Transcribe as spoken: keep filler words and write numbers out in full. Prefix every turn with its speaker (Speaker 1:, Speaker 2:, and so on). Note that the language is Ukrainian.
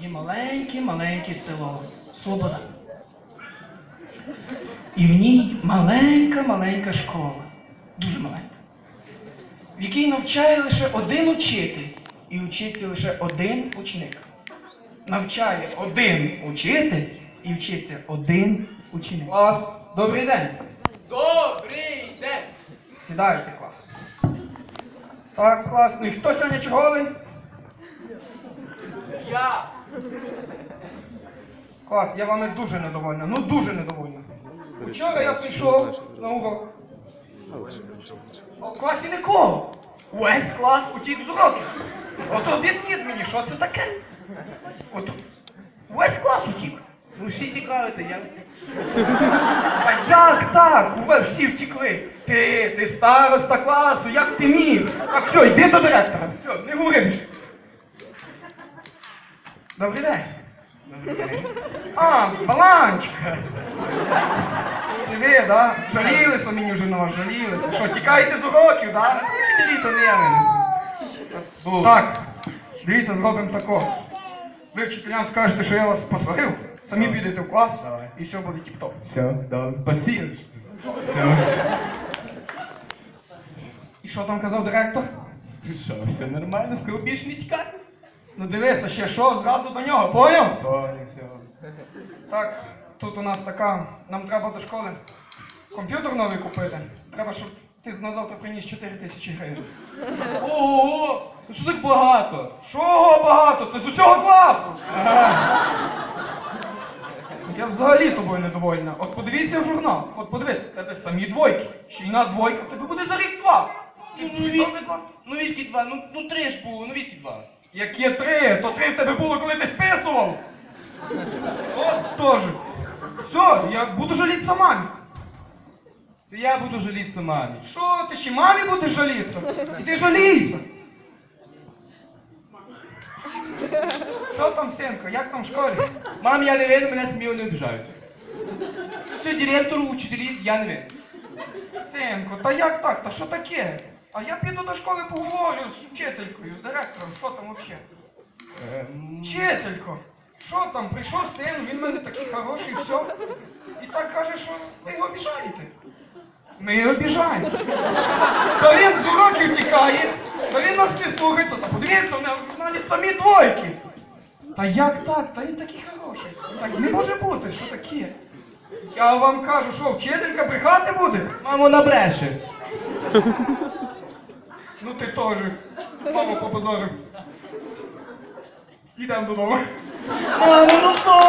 Speaker 1: маленьке-маленьке село Слобода. І в ній маленька-маленька школа, дуже маленька, в якій навчає лише один учитель і вчиться лише один ученик. Навчає один учитель і вчиться один ученик. Клас, добрий день.
Speaker 2: Добрий день!
Speaker 1: Сідайте, клас. Так, класно. І хто сьогодні черговий?
Speaker 2: Я!
Speaker 1: Клас, я вами дуже недовольна, ну дуже недовольна. Вчора я прийшов на урок. А в класі нікого. Весь клас утік з уроків. От об'ясніть мені, що це таке? От весь клас утік.
Speaker 2: Ну всі тікали, то я.
Speaker 1: А як так? Ви всі втікли. Ти, ти староста класу, як ти міг? Так, все, йди до директора. Все, не говори більше. Добрий день. А, Баланчика. Це ви, да? Жалілися мені вже на вас, жалілися. Що, тікаєте з уроків, да?
Speaker 2: Вчителі, то не я винен.
Speaker 1: Так, дивіться, зробимо тако. Ви вчителям скажете, що я вас посварив, самі підете в клас,
Speaker 2: Давай.
Speaker 1: і все буде тіп-топ.
Speaker 2: Все, да, спасибо. Все.
Speaker 1: І що там казав директор?
Speaker 2: Що, все нормально, сказав більше не тікати?
Speaker 1: Ну дивися, ще що, зразу до нього, поняв?
Speaker 2: Понял, все.
Speaker 1: Так, тут у нас така, нам треба до школи комп'ютер новий купити. Треба, щоб ти на завтра приніс чотири тисячі гривень.
Speaker 2: Ого! Ну що так багато?
Speaker 1: Чого багато? Це з усього класу! Я взагалі тобою недовольна. От подивися в журнал, от подивись, в тебе самі двойки. Ще й на двойка, в тебе буде за рік два.
Speaker 2: Ну, ну, від... ну відки два, ну, ну три ж було, ну відки два.
Speaker 1: Як є три, то три в тебе було, коли ти списував. От теж. Все, я буду жалітися мамі.
Speaker 2: Це я буду жалітися мамі.
Speaker 1: Що, ти ще мамі будеш жалітися? Іди жалійся. Що там, синко, як там в школі?
Speaker 2: Мам, я не винен, мене самі не обіжають. Все, директору, учителі, я не винен.
Speaker 1: Синко, та як так? Та що таке? А я піду до школи поговорю з вчителькою, з директором, що там взагалі?
Speaker 2: Ем...
Speaker 1: Вчителько, що там, прийшов син, він в мене такий хороший, все. І так каже, що ви його обіжаєте. Ми його обіжаємо. Та він з уроків тікає, та він нас не слухається, та подивіться, в мене в журналі самі двойки. Та як так? Та він такий хороший. Так не може бути, що таке? Я вам кажу, що вчителька брехати буде?
Speaker 2: Мамо, набреше.
Speaker 1: Ну ти теж. Маму попозорив. Ідемо додому.
Speaker 2: Мамо, ну